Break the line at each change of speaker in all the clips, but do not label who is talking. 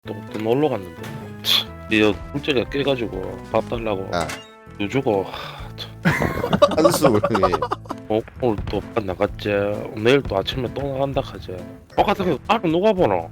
또 놀러 갔는데 이 둘째가 깨가지고 밥 달라고
야.
돈 주고
한수 형님.
오늘 또밥 나갔지. 내일 또 아침에 또 나간다 하지. 똑같은 게 바로 누가 보노?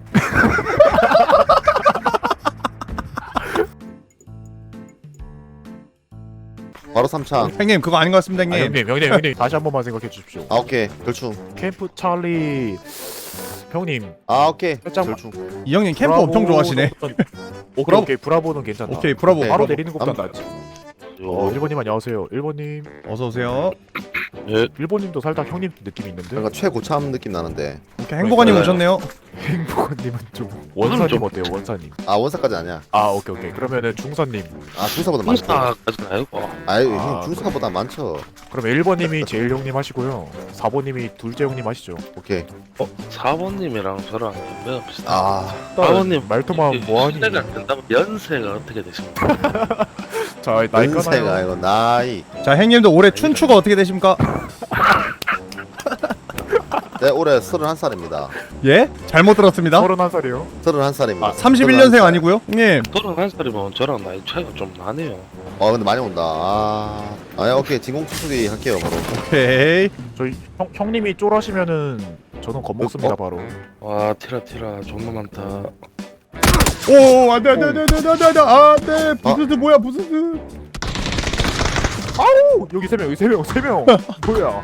바로 3창.
형님 그거 아닌 것 같습니다 형님.
형님 다시 한 번만 생각해 주십시오.
아 오케이 결충.
캠프 찰리 형님
아 오케이
살짝
결충.
이 형님 캠프 엄청 좋아하시네.
오케이 오케이 브라보는 괜찮다.
오케이 브라보.
오케이.
바로
브라보.
내리는 것보다 낫지. 1번님 안녕하세요. 1번님
어서 오세요.
예,
1번님도 살짝 형님 느낌이 있는데
뭔가 최고참 느낌 나는데.
오케이 행복한님
네.
오셨네요.
행복한님은 좀 원사님
좀-
어때요 원사님?
아 원사까지 아니야.
아 오케이 그러면은 중사님.
아 중사보다 많죠.
공사까지는 아니고
아유
아,
형 중사보다 많죠.
그럼 1번님이 제일 형님 하시고요. 4번님이 둘째 형님 하시죠.
오케이.
4번님이랑 저랑 연배가 비슷해.
아
사번님 말투만 뭐하니?
시대가 안 된다면 연세가 어떻게 되십니까?
자 나이
연세가
까나요?
이거 나이.
자 형님도 올해 춘추가 어떻게 되십니까?
네 올해 31살입니다.
예? 잘못 들었습니다.
31살이요.
31살입니다.
아,
31년생 아니고요? 형님
31살이면 저랑 나이 차이가 좀 나네요.
근데 많이 온다. 아 오케이 진공투수기 할게요 바로.
오케이.
저희 형님이 쫄하시면은 저는 겁먹습니다 바로.
와 티라 존나 많다.
오 안돼 안돼 부스스 뭐야 부스스.
아우 여기 3명 여기 3명 뭐야?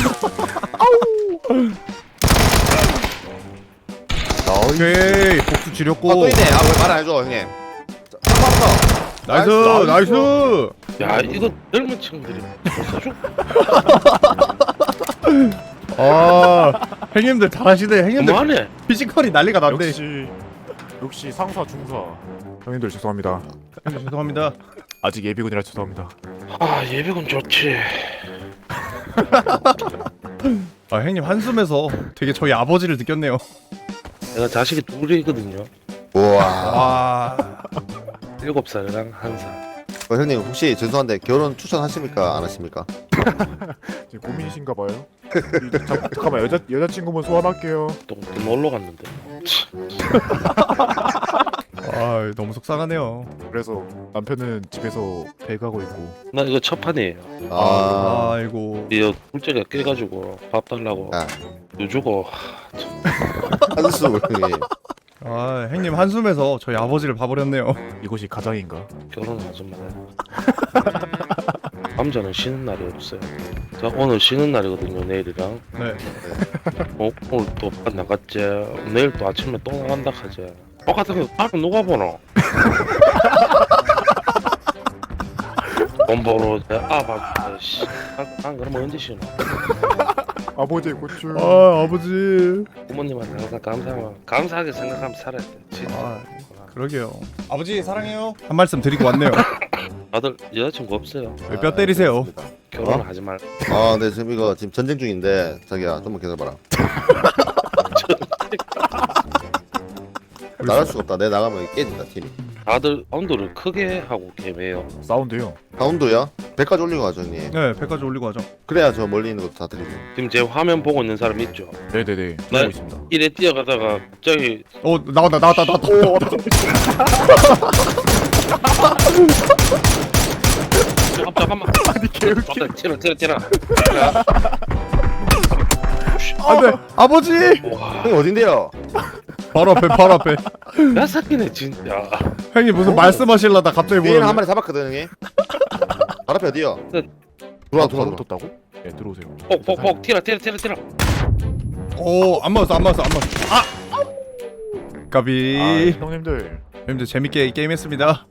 오케이 복수 지렸고.
아또 있네. 아왜 말 안 해줘 형님. 자,
나이스
나이스.
나이스.
야 이거 젊은 친구들이 써줘.
아 형님들 잘하시네. 형님들
뭐하네?
피지컬이 난리가 났네.
역시 상사 중사. 형님들 죄송합니다.
죄송합니다.
아직 예비군이라 죄송합니다.
아 예비군 좋지.
아 형님 한숨에서 되게 저희 아버지를 느꼈네요.
내가 자식이 둘이거든요.
우와.
아
7살이랑 1살.
형님 혹시 죄송한데 결혼 추천하십니까 안 하십니까?
지금 고민이신가 봐요. 잠깐만 여자친구분 소환할게요.
또 놀러 갔는데.
아 너무 속상하네요.
그래서 남편은 집에서 배가고 있고.
나 이거 첫 판이에요.
아.
아이고.
이 둘째가 깨가지고 밥 달라고
야
돈 주고
한수 형님.
아 형님 한숨에서 저희 아버지를 봐버렸네요.
이것이 가장인가?
결혼을 하지 마요. 남자는 쉬는 날이 없어요. 자 오늘 쉬는 날이거든요. 내일이랑.
네.
오늘 또밥 나갔지. 내일 또 아침에 또 나간다 하지. 똑같은 게 바로 누가 보노? 돈 벌어 아밥 씨. 안 그러면 언제 쉬노?
아버지 고추.
아 아버지.
부모님한테 항상 감사하게 생각하면 살아야 돼. 진짜.
아 그러게요. 아버지 사랑해요. 한 말씀 드리고 왔네요.
다들 여자친구 없어요.
왜 뼈 때리세요?
결혼을 하지 말.
네 지금 이거 지금 전쟁 중인데 자기야 좀만 기다려봐라. 나갈 수가 없다. 내 나가면 깨진다 팀이.
다들 온도를 크게 하고 게임해요.
사운드요.
다운도야? 100까지 올리고 가죠 형님.
네 100까지 올리고 하죠.
그래야 저 멀리 있는 것도 다 드리죠.
지금 제 화면 보고 있는 사람 있죠?
네네네.
네.
보고 있습니다.
이래 뛰어가다가 갑자기
나왔다.
잠깐만.
아니 개웃기.
티라.
안돼 아버지.
와,
형님 어딘데요?
바로 앞에.
나 새끼네 진짜.
형님 무슨 말씀하실라다 갑자기
뒤에는 한
보는.
마리 잡았거든 형님. 바로 앞에 어디요?
네.
들어와.
붙었다고? 네 들어오세요.
폭 티라.
오안 맞았어. 아. 까비.
형님들
형님들 재밌게 게임했습니다.